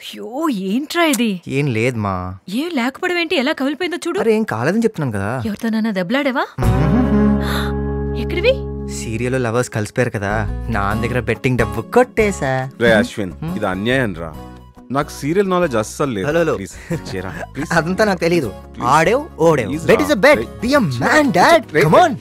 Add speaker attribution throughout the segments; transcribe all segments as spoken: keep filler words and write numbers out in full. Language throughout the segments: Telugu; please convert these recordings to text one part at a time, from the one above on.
Speaker 1: అయ్యో ఏంట్రా ఇది?
Speaker 2: ఏం లేదు మా.
Speaker 1: ఏం లేకపోవడం ఏంటి? ఎలా కవిలిపోయిందో చూడు.
Speaker 2: అరే ఏం కాలేదని చెప్తున్నాను కదా.
Speaker 1: ఎవరితోనన్నా దెబ్బలాడేవా? ఎక్కడివి?
Speaker 2: సీరియల్లో లవర్స్ కలిసిపోయారు కదా, నా దగ్గర బెట్టింగ్ డబ్బు కొట్టేసా.
Speaker 3: రే అశ్విన్, ఇది అన్యాయం రా. నాకు సీరియల్ నాలెడ్జ్ అస్సలు లేదు.
Speaker 2: అదంతా నాకు తెలియదు. ఆడేవ్ ఓడేవ్. Bet is a bet. Be a man dad. Come on.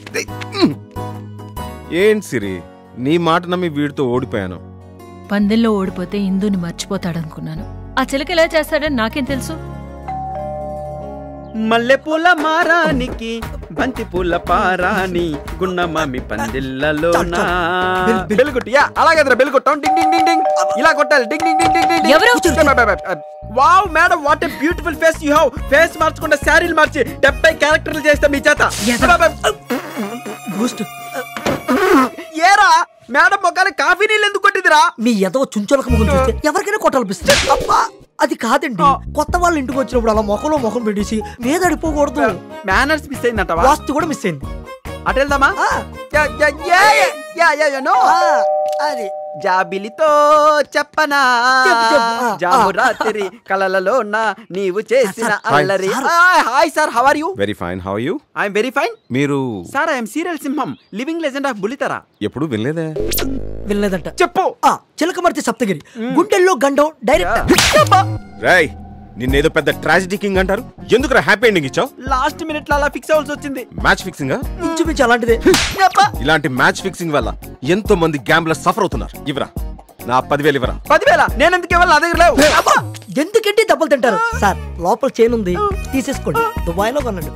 Speaker 3: ఏం సిరి, నీ మాట నమ్మి వీడితో ఓడిపోయాను.
Speaker 1: పందెంలో ఓడిపోతే ఇందుని మర్చిపోతాడనుకున్నాను. ఆ చిలక ఎలా చేస్తాడని నాకేం తెలుసు?
Speaker 4: మల్లెపూల మారానికి బంతి పూల పారాని గున్నమామి పందిళ్ళలో బెల్లుకొట్టి. అలాగే బెల్లుకొట్టాం. డింగ్ డింగ్ డింగ్ డింగ్ ఇలా కొట్టాలి. Ding ding ding ding ding. Wow madam, what a beautiful face you have. Face మార్చకుండా శారీలు మార్చి డెబ్బై క్యారెక్టర్లు చేస్తా మీ చేత. ఏరా మేడం మొక్కలు కాఫీ నీళ్ళు ఎందుకు కొట్టిదిరా?
Speaker 5: మీ ఎదో చుంచులకు ముఖం చూస్తే ఎవరికైనా కొట్టాలనిపిస్తుంది. అబ్బా అది కాదండి, కొత్త వాళ్ళు ఇంటికి వచ్చినప్పుడు అలా మొఖంలో మొఖం పెట్టేసి మీద అడిపోకూడదు.
Speaker 4: మేనర్స్ మిస్ అయిందంట.
Speaker 5: వాస్తు కూడా మిస్ అయింది.
Speaker 4: అటు వెళ్దామా? అది జాబిలితో చెప్పనా జాము రాత్రి కలలలో నీవు చేసిన అల్లరి. Hi sir, how are you?
Speaker 3: Very fine. How are you?
Speaker 4: I am very fine.
Speaker 3: మీరు?
Speaker 4: సార్ ఐ యామ్ సీరియల్ సింహం, లివింగ్ లెజెండ్ ఆఫ్ బుల్లితెర.
Speaker 3: ఎప్పుడు వినలేదే.
Speaker 5: వినలేదంట.
Speaker 4: చెప్పు.
Speaker 5: చిలకమర్తి సప్తగిరి, గుండెల్లో గండం డైరెక్ట్.
Speaker 3: రేయ్, నిన్నేదో పెద్ద ట్రాజెడీ కింగ్ అంటారు. ఎందుకు హ్యాపీ ఎండింగ్ ఇచ్చావు?
Speaker 4: లాస్ట్ మినిట్ లో అలా ఫిక్స్ అవ్వాల్సి వచ్చింది.
Speaker 3: Match fixing?
Speaker 5: ఇంచుమించు అలాంటిదే.
Speaker 3: ఇలాంటి మ్యాచ్ ఫిక్సింగ్ వల్ల ఎంతో మంది గ్యాంబ్లర్స్ సఫర్ అవుతున్నారు. ఇవరా నా పదివేలు ఇవరా.
Speaker 4: పదివేల నేనెందుకు ఇవ్వాలి? నా దగ్గర లేవు.
Speaker 5: ఎందుకంటే దెబ్బలు తింటారు సార్. లోపల చైన్ ఉంది, తీసేసుకోండి. దుబాయ్లో కొనండి.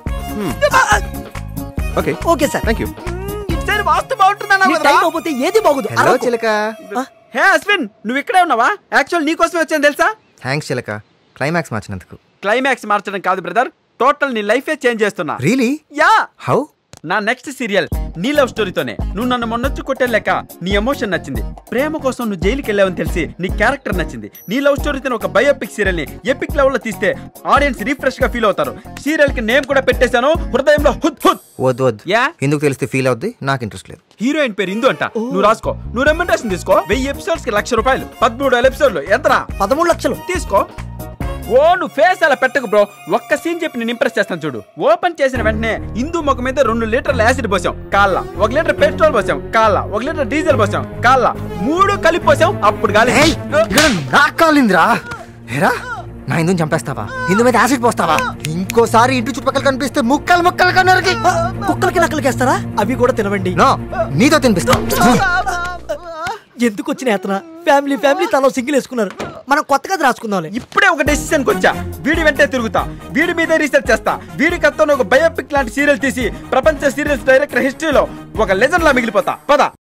Speaker 3: Okay
Speaker 5: okay sir,
Speaker 3: thank you.
Speaker 4: ఇటు వాస్తు బాగుంటుందా?
Speaker 5: ఏది బాగుంది.
Speaker 2: హలో చిలక.
Speaker 4: హే అశ్విన్, నువ్వు ఇక్కడే ఉన్నావా? యాక్చువల్ నీ కోసమే వచ్చాను తెలుసా.
Speaker 2: థ్యాంక్స్ చిలక, క్లైమాక్స్ మార్చినందుకు.
Speaker 4: క్లైమాక్స్ మార్చడం కాదు బ్రదర్, టోటల్ నీ లైఫే చేంజ్ చేస్తున్నా.
Speaker 2: రియలీ?
Speaker 4: యా.
Speaker 2: హౌ?
Speaker 4: నా నెక్స్ట్ సీరియల్ నీ లవ్ స్టోరీతోనే. నువ్వు నన్ను మొన్నొచ్చి కొట్టేలేక నీ ఎమోషన్ నచ్చింది. ప్రేమ కోసం నువ్వు జైలుకి వెళ్ళావని తెలిసి నీ క్యారెక్టర్ నచ్చింది. నీ లవ్ స్టోరీతో ఒక బయోపిక్ సీరియల్ ని ఎపిక్ లెవెల్ లో తీస్తే ఆడియన్స్ రిఫ్రెష్ గా ఫీల్ అవుతారు. సీరియల్ కి నేమ్ కూడా పెట్టేశాను, హృదయంలో హుద్ హుద్.
Speaker 2: వద్దు వద్దు.
Speaker 4: యా,
Speaker 2: ఎందుకు తెలిస్తే ఫీల్ అవుద్ది, నాకు ఇంట్రెస్ట్ లేదు.
Speaker 4: హీరోయిన్ పేరు ఇందు అంట. నువ్వు రాసుకో. నువ్వు రెమ్యునరేషన్ తీసుకో. వెయ్యి ఎపిసోడ్స్ కి లక్ష రూపాయలు. పదమూడు వేల ఎపిసోడ్లు ఎంతరా?
Speaker 5: పదమూడు లక్షలు
Speaker 4: తీసుకో. ఓ నువ్వు ఫేస్ అలా పెట్టకు బ్రో. ఒక్క సీన్ చెప్పి నేను ఇంప్రెస్ చేస్తాను చూడు. ఓపెన్ చేసిన వెంటనే హిందూ ముఖం మీద రెండు లీటర్ల యాసిడ్ పోసాం కాళ్ళ, ఒక లీటర్ పెట్రోల్ పోసాం కాళ్ళ, ఒక లీటర్ డీజిల్ పోసాం కాళ్ళ, మూడు కలిపి పోసాం. అప్పుడు గాలి
Speaker 2: కాలిందిరా. ఏరా నా ఇందు చంపేస్తావా? ఇందు మీద యాసిడ్ పోస్తావా? ఇంకోసారి ఇంటి చుట్టుపక్కల కనిపిస్తే ముక్కలు ముక్కలు కన్నరికి.
Speaker 5: కుక్కలకి నక్కలకేస్తారా? అవి కూడా తినవండి.
Speaker 2: నీతో తినిపిస్తా.
Speaker 5: ఎందుకు వచ్చిన యాతన? ఫ్యామిలీ ఫ్యామిలీ తలో సింగిల్ వేసుకున్నారు. మనం కొత్తగా రాసుకుందాం.
Speaker 4: ఇప్పుడే ఒక డెసిషన్ వచ్చా. వీడి వెంటే తిరుగుతా, వీడి మీదే రీసెర్చ్ చేస్తా. వీడి కథతో ఒక బయోపిక్ లాంటి సీరియల్ తీసి ప్రపంచ సీరియల్స్ డైరెక్టర్ హిస్టరీలో ఒక లెజెండ్ లా మిగిలిపోతా. పద.